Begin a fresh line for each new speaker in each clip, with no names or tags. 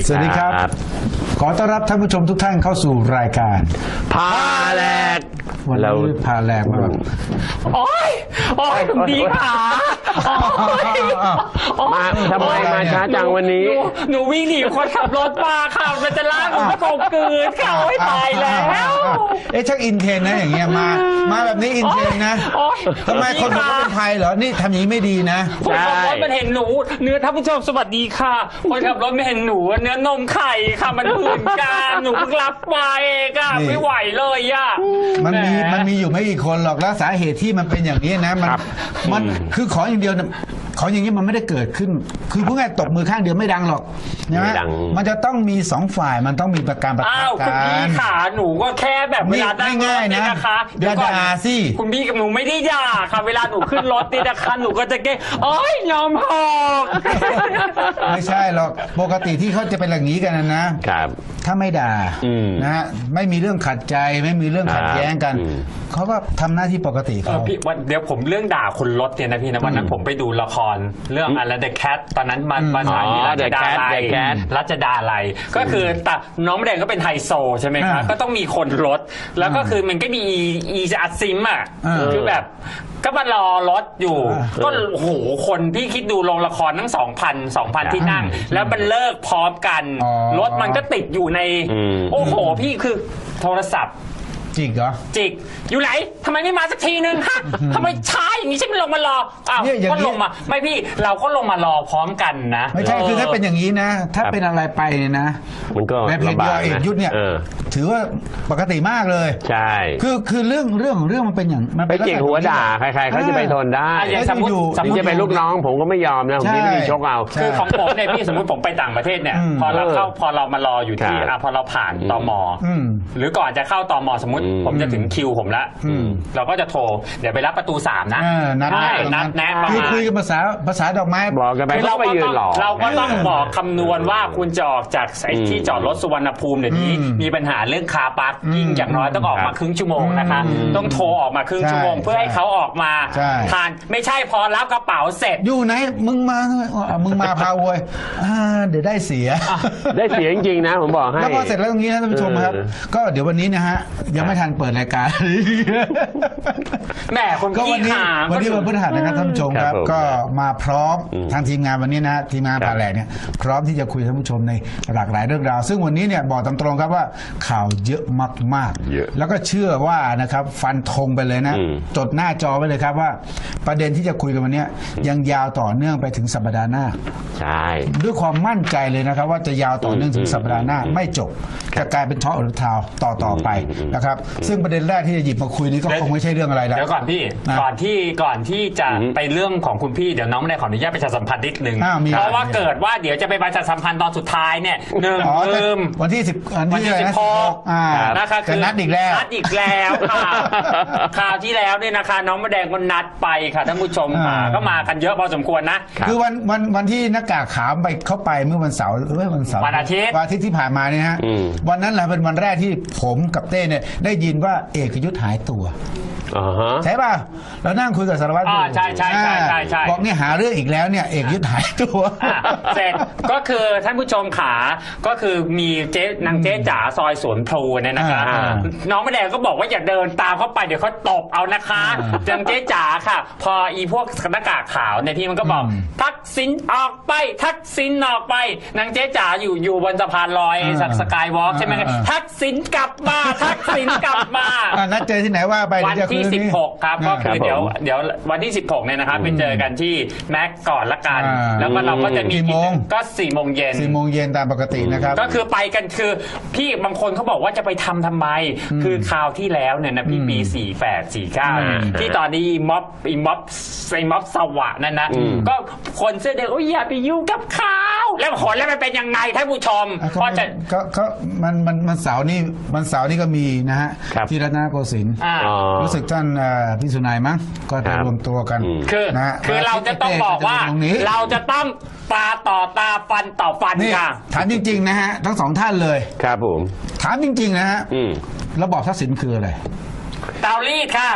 สวัสดีครับขอต้อนรับท่านผู้ชมทุกท่านเข้าสู่รายการ
พาแหลก
วันนี้พาแหลกมาแบบ
โอ๊ยคุณพี่ขา
มาทำไมมาช้าจังวันนี้
หนูวิ่งหนีคนขับรถมาค่ะมันจะลากหนูก็ตกกืนเขาให้ตายแล้ว
ชักอินเทนนะอย่างเงี้ยมาแบบนี้อินเทนนะทำไมคนบอกว่าเป็นไทยเหรอนี่ทำอย่างนี้ไม่ดีนะ
คนขับรถมันเห็นหนูเนื้อท่านผู้ชมสวัสดีค่ะคนขับรถไม่เห็นหนูเนื้อนมไข่ค่ะมันเหมือนกันหนูเพิ่งรับมาเองอะไม่ไหวเลยอะ
มันมีอยู่ไม่กี่คนหรอกแล้วสาเหตุที่มันเป็นอย่างนี้นะมันคือขออย่างเดียวขออย่างนี้มันไม่ได้เกิดขึ้นคือพูดง่ายตบมือข้างเดียวไม่ดังหรอกนะมันจะต้องมีสองฝ่ายมันต้องมีประการประทะกัน
คุณพี่ขาหนูก็แค่แบบเวลา
ไม่ง่ายนะคะอย่าด่าสิ
คุณพี่กับหนูไม่ได้ด่าค่ะเวลาหนูขึ้นรถติดนะคะหนูก็จะแก้โอ๊ยยอมหอก
ไม่ใช่หรอกปกติที่เขาจะเป็นอย่างนี้กันนะครับถ้าไม่ด่านะฮะไม่มีเรื่องขัดใจไม่มีเรื่องขัดแย้งกันเขาก็ทำหน้าที่ปกติเขา
พี่วันเดี๋ยวผมเรื่องด่าคนรถเนี่ยนะพี่นะวันนั้นผมไปดูละครเรื่องอะไร The Cat ตอนนั้นมาสายนี้รัชดาลัยก็คือแต่น้องแดงก็เป็นไฮโซใช่ไหมครับก็ต้องมีคนรถแล้วก็คือมันก็มีอีอัดซิมอ่ะคือแบบก็มารอรถอยู่ก็โอ้โหคนพี่คิดดูโรงละครทั้ง2,000ที่นั่งแล้วมันเลิกพร้อมกันรถมันก็ติดอยู่ในโอ้โหพี่คือโทรศัพท์
จิกเหรอ
จิกอยู่ไหนทำไมไม่มาสักทีนึงฮะทำไมช้าอย่างนี้ฉันไม่ลงมารออ้าวก็ลงมาไม่พี่เราก็ลงมารอพร้อมกันนะ
ไม่ใช่คือถ้าเป็นอย่างนี้นะถ้าเป็นอะไรไปเนี่ยนะ
มันก็
ในเพจเอกยุทธเนี่ยถือว่าปกติมากเลย
ใช่
คือเรื่องมันเป็นอย่าง
มันไปจิกหัวด่าใครๆเขาจะไปทนได้
สมมติ
จะเป็นลูกน้องผมก็ไม่ยอมนะผมไม่มีชกเอา
คือของผมเนี่ยพี่สมมติผมไปต่างประเทศเนี่ยพอเรามารออยู่ที่พอเราผ่านตม.หรือก่อนจะเข้าตม.สมมติผมจะถึงคิวผมละเราก็จะโทรเดี๋ยวไปรับประตู3นะ
นัด
แนะ
คุยกันภาษาดอกไม้
บอกกันไป
เราก็ต้องบอกคำนวณว่าคุณจะออกจากที่จอดรถสุวรรณภูมิเดี๋ยวนี้มีปัญหาเรื่องคาร์พาร์กิ้งอย่างน้อยต้องออกมาครึ่งชั่วโมงนะคะต้องโทรออกมาครึ่งชั่วโมงเพื่อให้เขาออกมาทานไม่ใช่พอรับกระเป๋าเสร็จ
อยู่ไหนมึงมาพาโวยเดี๋ยวได้เสีย
จริงๆนะผมบอกให้
แล้วพอเสร็จแล้วตรงนี้นะท่านผู้ชมครับก็เดี๋ยววันนี้นะฮะยังไม่ทันเปิดรายการ
แม่คน
ก็วันนี้วันพฤหัสนะครับท่านผู้ชมครับก็มาพร้อมทางทีมงานวันนี้นะทีมงานพาแหลกเนี่ยพร้อมที่จะคุยท่านผู้ชมในหลากหลายเรื่องราวซึ่งวันนี้เนี่ยบอกตรงๆครับว่าข่าวเยอะมากๆแล้วก็เชื่อว่านะครับฟันธงไปเลยนะจดหน้าจอไว้เลยครับว่าประเด็นที่จะคุยกันวันนี้ยังยาวต่อเนื่องไปถึงสัปดาห์หน้า
ใช่
ด้วยความมั่นใจเลยนะครับว่าจะยาวต่อเนื่องถึงสัปดาห์หน้าไม่จบจะกลายเป็นทอล์กหรือทาวต่อไปนะครับซึ่งประเด็นแรกที่จะหยิบมาคุยนี้ก็คงไม่ใช่เรื่องอะไรแล้ว
เดี๋ยวก่อนพี่ก่อนที่จะไปเรื่องของคุณพี่เดี๋ยวน้องไม่ได้ขออนุญาตประชาสัมพันธ์นิดนึงเพราะว่าเกิดว่าเดี๋ยวจะไปประชาสัมพันธ์ตอนสุดท้ายเนี่ยลืม
วันที่16
นะคะคือ
นัดอีกแล้ว
ค่ะคราวที่แล้วเนี่ยนะคะน้องมะแดงก็นัดไปค่ะท่านผู้ชมก็มากันเยอะพอสมควรนะ
คือวันที่หน้ากากขาวไปเข้าไปเมื่อวันเสาร์
วันอาทิตย์
ที่ผ่านมาเนี่ยฮะวันนั้นแหละเป็นวันแรกที่ผมกับเต้เนี่ยได้ยินว่าเอกยุทธหายตัวใช่ป่ะเรานั่งคุยกับสารวัตร
ใช่
บอกเนี่ยหาเรื่องอีกแล้วเนี่ยเอกยุทธหายตัว
เสร็จก็คือท่านผู้ชมขาก็คือมีนางเจ๊จ๋าซอยสวนพลูเนี่ยนะคะน้องมะแดงก็บอกว่าอย่าเดินตามเข้าไปเดี๋ยวเขาตบเอานะคะนางเจ๊จ๋าค่ะพออีพวกหน้ากากขาวเนี่ยพี่มันก็บอกทักษิณออกไปทักษิณออกไปนางเจ๊จ๋าอยู่บนสะพานลอยสกายวอล์กใช่ไหมทักษิณกลับมาทักษิณกลับมา
นัดเจอที่ไหนว่าไป
วันที่16ครับก็คือเดี๋ยววันที่16เนี่ยนะครับไปเจอกันที่แม็กก่อนละกันแล้วก็เราก็จะมีก็4 โมงเย็น
ตามปกตินะครับ
ก็คือไปกันคือพี่บางคนเขาบอกว่าจะไปทำไมคือคราวที่แล้วเนี่ยนะพี่ปี48 49ที่ตอนนี้ม็อบสวะนั่นนะก็คนเสื้อแดงโอ้ยอย่าไปยุ่งกับเขาแล้วผลแล้วมันเป็นยังไงท่านผู้ชม
ก็จะก็มันเสาร์นี้ก็มีนะฮะที่รัตนโกสินทร์รู้สึกท่านพี่สุนัยมั้งก็จะรวมตัวกัน
คือเราจะต้องบอกว่าเราจะต้องตาต่อตาฟันต่อฟันค่ะ
ถามจริงๆนะฮะทั้งสองท่านเลย
ครับผม
ถามจริงๆนะฮะระบอบทักษิณคืออะไร
เตารีดค่ะ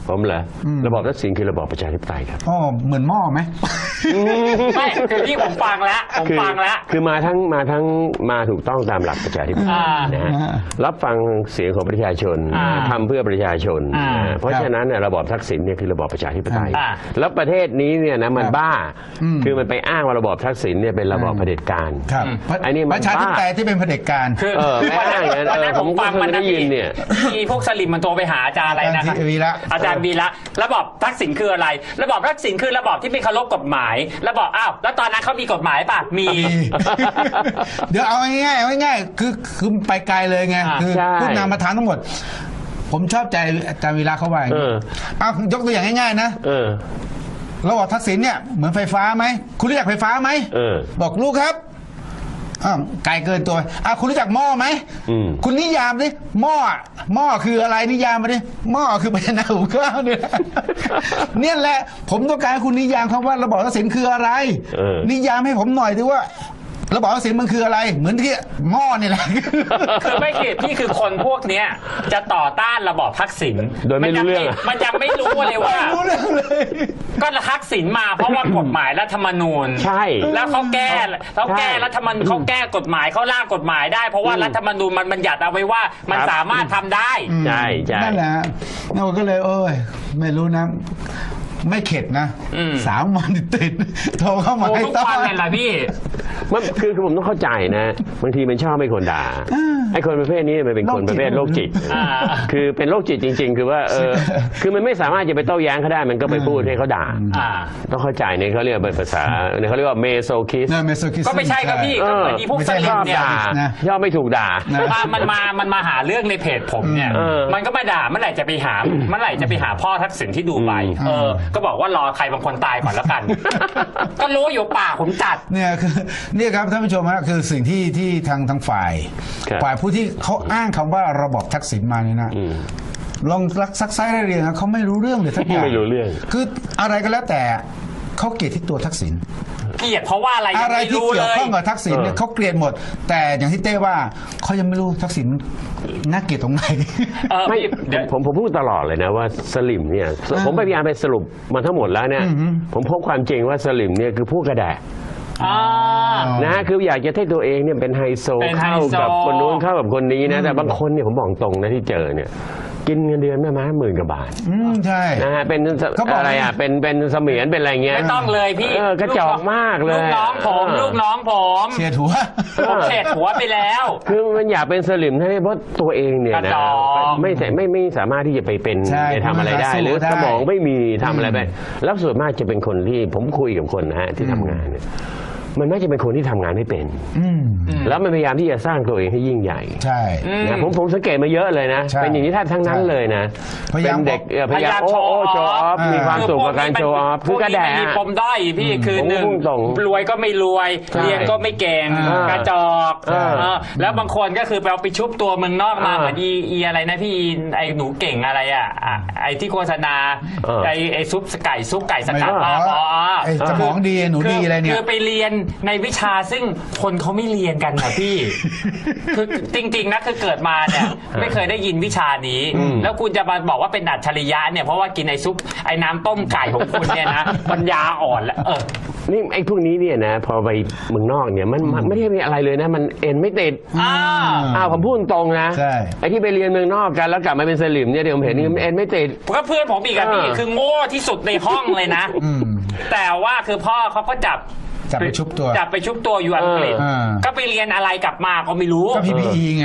ผมเหรอระบอบทักษิณคือระบอบประชาธิปไตยครับ
อ๋อเหมือนหม้อไหม
ไม่คือที่ผมฟังแล้ว
คือมาถูกต้องตามหลักประชาธิปไตยนะฮะรับฟังเสียงของประชาชนทำเพื่อประชาชนเพราะฉะนั้นเนี่ยระบอบทักษิณเนี่ยคือระบอบประชาธิปไตยแล้วประเทศนี้เนี่ยนะมันบ้าคือมันไปอ้างว่าระบอบทักษิณเนี่ยเป็นระบอบเผด็จการ
ครับ
อันนี้มัน
ประชาธิปไตยที่เป็นเผด็จการ
ไม่อ้างอย่างนั้น
วันนั้นผมฟังมันได้ยินเนี่ยมีพวกสลิมมันโทรไปหาอาจารย์อะไรนะครับอาจารย์วีระระบอบทักษิณคืออะไรระบอบทักษิณคือระบอบที่ไม่เคารพกฎหมายระบอบอ้าวแล้วตอนนั้นเขามีกฎหมายป่ะมี
เดี๋ยวเอาง่ายๆคือไปไกลเลยไงคือพูดนามประธานทั้งหมดผมชอบใจอาจารย์วีระเขาว่าอย่างนี้เอายกตัวอย่างง่ายๆนะระบอบทักษิณเนี่ยเหมือนไฟฟ้าไหมคุณรู้จักไฟฟ้าไหมบอกลูกครับไกลเกินตัวคุณรู้จักหม้อไหมคุณนิยามดิหม้อคืออะไรนิยามมาดิหม้อคือภาชนะหุงข้าวเนี่ยเนี่ยแหละผมต้องการให้คุณนิยามคำว่าระบอบทักษิณคืออะไรนิยามให้ผมหน่อยดิว่าระบอบทักษิณมันคืออะไรเหมือนที่หม้อนี่แหละ
คือไม่ผิดพี่คือคนพวกเนี้ยจะต่อต้านระบอบทักษิณ
โดยไม่รู้เรื่อง
มันจะไม่รู้เลยว่า
ไม่รู้เรื่องเลย
ก็ทักษิณมาเพราะว่ากฎหมายรัฐธรรมนูญ
ใช่
แล้วเขาแก้รัฐธรรมนูญเขาแก้กฎหมายเขาร่างกฎหมายได้เพราะว่ารัฐธรรมนูญมันบัญญัติเอาไว้ว่ามันสามารถทำได้
ใช่
นั่นแหละเราก็เลยไม่รู้นะไม่เข็ดนะ3 วันติดโทรเข้ามาให้
ทุกวันเลยล่ะพี่
มันคือผมต้องเข้าใจนะบางทีมันชอบไม่คนด่าไอ้คนประเภทนี้มันเป็นคนประเภทโรคจิตคือเป็นโรคจิตจริงๆคือว่าคือมันไม่สามารถจะไปโต้แย้งเขาได้มันก็ไปพูดให้เขาด่าต้องเข้าใจเนี่ยเขาเรียกเป็นภาษาเนี่ยเขาเรียกว่าเมโซคิส
ก็ไม่ใช่ครับพี่ก็เหมือนที่พวกสลิมเนี่ย
ชอบไม่ถูกด่า
มันมาหาเรื่องในเพจผมเนี่ยมันก็มาด่าเมื่อไหร่จะไปหาพ่อทักษิณที่ดูไบก็บอกว่ารอใครบางคนตายก่อนแล้วกัน ก็รู้อยู่ป่าผมจัด
เนี่ยคือนี่ครับท่านผู้ชมฮะคือสิ่งที่ทางฝ่ายผู้ที่เขาอ้างคำว่าระบอบทักษิณมาเนี่ยนะลองซักไซได้เรียงเขาไม่รู้เรื่องเลยทักอย่าง
ไม่รู้เรื่อง
คืออะไรก็แล้วแต่เขาเกลียดที่ตัวทักษิณ
เกลียดเพราะว่าอะไร
ที่เกี่ยวข้องกับทักษิณเนี่ยเขาเกลียดหมดแต่อย่างที่เต้ว่าเขายังไม่รู้ทักษิณน่าเกลียดตรงไหน
ไม่ผมพูดตลอดเลยนะว่าสลิมเนี่ยผมพยายามไปสรุปมาทั้งหมดแล้วเนี่ยผมพบความจริงว่าสลิมเนี่ยคือผู้กระแดะนะคืออยากจะให้ตัวเองเนี่ยเป็นไฮโซเข้ากับคนนู้นเข้ากับคนนี้นะแต่บางคนเนี่ยผมบอกตรงนะที่เจอเนี่ยกินเงินเดือนแม่ม้า10,000 กว่าบาท
ใช่
นะฮะเป็นอะไรอ่ะเป็นเสมียนเป็นอะไรเงี้ย
ไม่ต้องเลยพี่
กระจอกมากเลย
ลูกน้องผม
เสียหัว
ผมเสียหัวไปแล้ว
คือมันอยากเป็นสลิมเพราะตัวเองเนี่ยนะไม่สามารถที่จะไปเป็นทำอะไรได้หรือสมองไม่มีทำอะไรไปแล้วส่วนมากจะเป็นคนที่ผมคุยกับคนนะฮะที่ทำงานเนี่ยมันไม่จะเป็นคนที่ทำงานไม่เป็นแล้วมันพยายามที่จะสร้างตัวเองให้ยิ่งใหญ่
ใช่
นะผมสังเกตมาเยอะเลยนะเป็นอย่างนี้แทบทั้งนั้นเลยนะเป็นเด็กพยายามโชว์ออฟมีความสุขกับการโชว์ออฟคือกระแดะ
มีปมด้อยพี่คือหนึ่งรวยก็ไม่รวยเรียนก็ไม่เก่งกระจอกแล้วบางคนก็คือไปชุบตัวเมืองนอกมาเหมือนอีอะไรนะพี่ไอ้หนูเก่งอะไรอ่ะไอ้ที่โฆษณาไอ้ซุปไก่สกัด
สมองดีหนูดีอะไรเนี่ย
คือไปเรียนในวิชาซึ่งคนเขาไม่เรียนกันนะพี่ คือจริงๆนะคือเกิดมาเนี่ยไม่เคยได้ยินวิชานี้แล้วคุณจะมาบอกว่าเป็นอัจฉริยะเนี่ยเพราะว่ากินไอ้ซุปไอ้น้ำต้มไก่ของคุณเนี่ยนะปัญญาอ่อนแล้ว
นี่ไอ้พวกนี้เนี่ยนะพอไปเมืองนอกเนี่ยมันไม่ได้มีอะไรเลยนะมันเอ็นไม่ติดผมพูดตรงนะไอ้ที่ไปเรียนเมืองนอกกันแล้วกลับมาเป็นสลิมเนี่ยเดี๋ยวผมเห็นนี่เอ็นไม่ติด
ก็เพื่อนผมอีกอ่ะพี่คือโง่ที่สุดในห้องเลยนะแต่ว่าคือพ่อเขาก็จับ
ไปชุบ
ตัวอยู่อังกฤษก็ไปเรียนอะไรกลับมาก็ไม่รู้
ก็ PPE ไง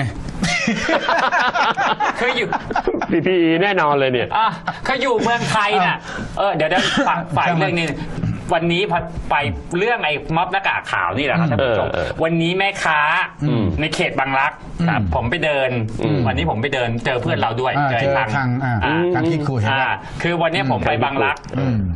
คืออยู่
PPE แน่นอนเลยเนี่ย
เขาอยู่เมืองไทยน่ะเดี๋ยวฝ่ายเรื่องนี้วันนี้ไปเรื่องไอ้ม็อบหน้ากากขาวนี่แหละครับท่านผู้ชมวันนี้แม่ค้าในเขตบางรักผมไปเดินวันนี้ผมไปเดินเจอเพื่อนเราด้วย
เจอทางที่คุย
คือวันนี้ผมไปบางรัก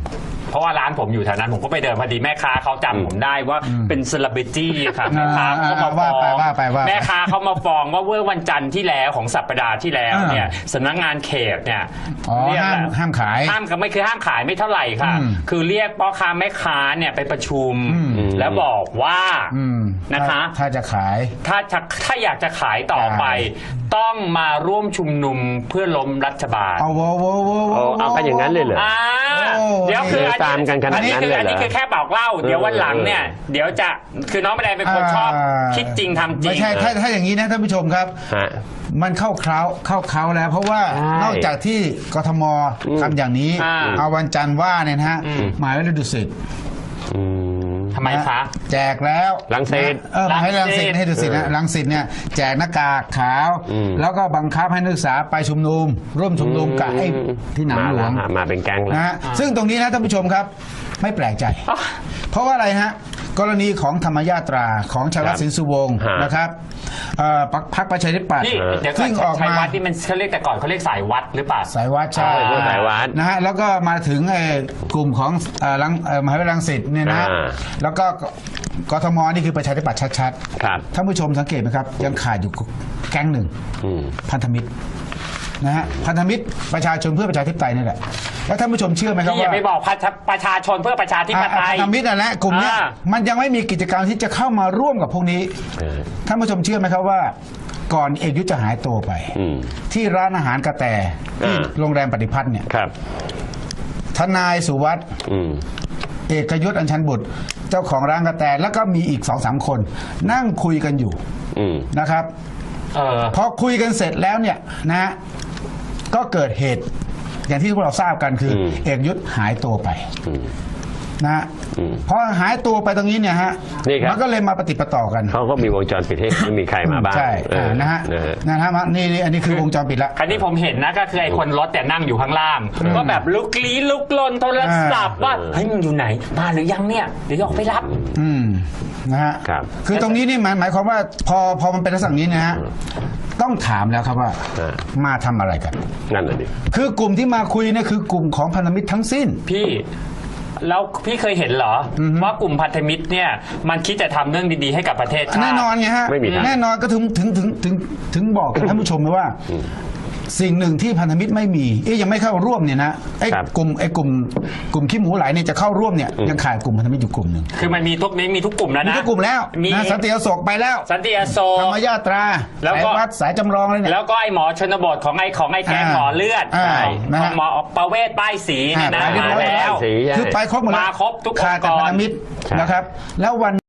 เพราะว่าร้านผมอยู่แถวนั้นผมก็ไปเดินพอดีแม่ค้าเขาจำผมได้ว่าเป็นเซเลบริตี้ค่ะแม่ค้าเขามาฟ้องแม่ค้าเขามาฟ้องว่าเมื่อวันจันทร์ที่แล้วของสัปดาห์ที่แล้วเนี่ยสำนักงานเขตเนี่ย
ห้ามขาย
ก็ไม่คือห้ามขายไม่เท่าไหร่ค่ะคือเรียกพ่อค้าแม่ค้าเนี่ยไปประชุมแล้วบอกว่านะคะ
ถ้าจะขาย
ถ้าอยากจะขายต่อไปต้องมาร่วมชุมนุมเพื่อล้มรัฐบาล
เอากันอย่างนั้นเลยเหรอ
เดี๋ยวคือ
ตามกันขนาดนั้นเลยเหรอ
อันนี้คือแค่บอกเล่าเดี๋ยววันหลังเนี่ยเดี๋ยวจะคือน้องแม่แดงเป็นคนชอบคิดจริงทำจริง
ไม่ใช่ถ้าอย่างนี้นะท่านผู้ชมครับมันเข้าเคล้าแล้วเพราะว่านอกจากที่กทมทำอย่างนี้เอาวันจันทร์ว่าเนี่ยนะฮะหมายไว้เลยดุสิต
ทำไมคะ
แจกแล้ว
รังสิต
ให้รังสิตให้ดุสิตนะรังสิตเนี่ยแจกหน้ากากขาวแล้วก็บังคับให้นักศึกษาไปชุมนุมร่วมชุมนุมกับไอ้ที่หนามหลวง
มาเป็นแก๊งแล้ว
นะฮะซึ่งตรงนี้นะท่านผู้ชมครับไม่แปลกใจเพราะว่าอะไรฮะกรณีของธรรมญาตราของชาวรัฐสินสุวงศ์นะครับพรรคประชาธิปัตย์
ซึ่งออกมาที่มันเขาเรียกแต่ก่อนเขาเรียกสายวัดหรือเปล่า
สายวัดใช่
สายวัด
นะฮะแล้วก็มาถึงกลุ่มของมหาวิทยาลัยรังสิตเนี่ยนะแล้วก็กทมนี่คือประชาธิปัตย์ชัดๆท่านผู้ชมสังเกตไหมครับยังขาดอยู่แก๊งหนึ่งพันธมิตรนะฮะพันธมิตรประชาชนเพื่อประชาธิปไตยนี่แหละแล้วท่านผู้ชมเชื่อไหมครับว่า
อย่าไปบอกประชาชนเพื่อประชาธิปไตย
พันธมิตรนั่นแหละกลุ่มนี้มันยังไม่มีกิจกรรมที่จะเข้ามาร่วมกับพวกนี้ท่านผู้ชมเชื่อไหมครับว่าก่อนเอกยุทธจะหายตัวไปที่ร้านอาหารกระแตที่โรงแรมปฏิพัฒน์เนี่ยทนายสุวัสด์เอกยุทธอัญชันบุตรเจ้าของร้านกระแตแล้วก็มีอีก 2-3 คนนั่งคุยกันอยู่นะครับพอคุยกันเสร็จแล้วเนี่ยนะก็เกิดเหตุอย่างที่พวกเราทราบกันคือเอกยุทธหายตัวไปนะพอหายตัวไปตรงนี้เนี่ยฮะมันก็เลยมาปฏิปต่อกัน
เขาก็มีวงจรปิดให้ไม่มีใครมาบ้าง
ใช่นะฮะนี่อันนี้คือวงจรปิดละ
คราวนี้ผมเห็นนะก็คือไอ้คนรถแต่นั่งอยู่ข้างล่างก็แบบลุกลี้ลุกลนโทรศัพท์ว่าเฮ้ยมึงอยู่ไหนมาหรือยังเนี่ยเดี๋ยวออกไปรับ
นะฮะคือตรงนี้นี่หมายความว่าพอมันเป็นลักษณะนี้นะฮะต้องถามแล้วครับว่ามาทำอะไรกัน
นั่นแหละดิ
คือกลุ่มที่มาคุยเนี่ยคือกลุ่มของพันธมิตรทั้งสิ้น
พี่แล้วพี่เคยเห็นเหรอว่ากลุ่มพันธมิตรเนี่ยมันคิดจะทำเรื่องดีๆให้กับประเทศชาติ
แน่นอนไงฮะแน่นอนก็ถึงบอกกับท่านผู้ชมเลยว่าสิ่งหนึ่งที่พันธมิตรไม่มียังไม่เข้าร่วมเนี่ยนะไอ้กลุ่มขี้หมูไหลเนี่ยจะเข้าร่วมเนี่ยยังขาดกลุ่มพันธมิตรอยู่กลุ่มหนึ่ง
คือมันมีทุกกลุ่มแล้วนะ
มีทุกกลุ่มแล้วนะสันติอโศกไปแล้ว
สันติอโศก
ธรรมญาตราแล้วก็วัดสายจำลองเลยเนี่ย
แล้วก็ไอ้หมอชนบทของไอ้แกงหมอเลือดของหมอประเวศป้ายสีเนี่ยนะมาแล้ว
คือไปครบหมด
มาครบทุกองค์กร
ขาดแต่พันธมิตรนะครับแล้ววัน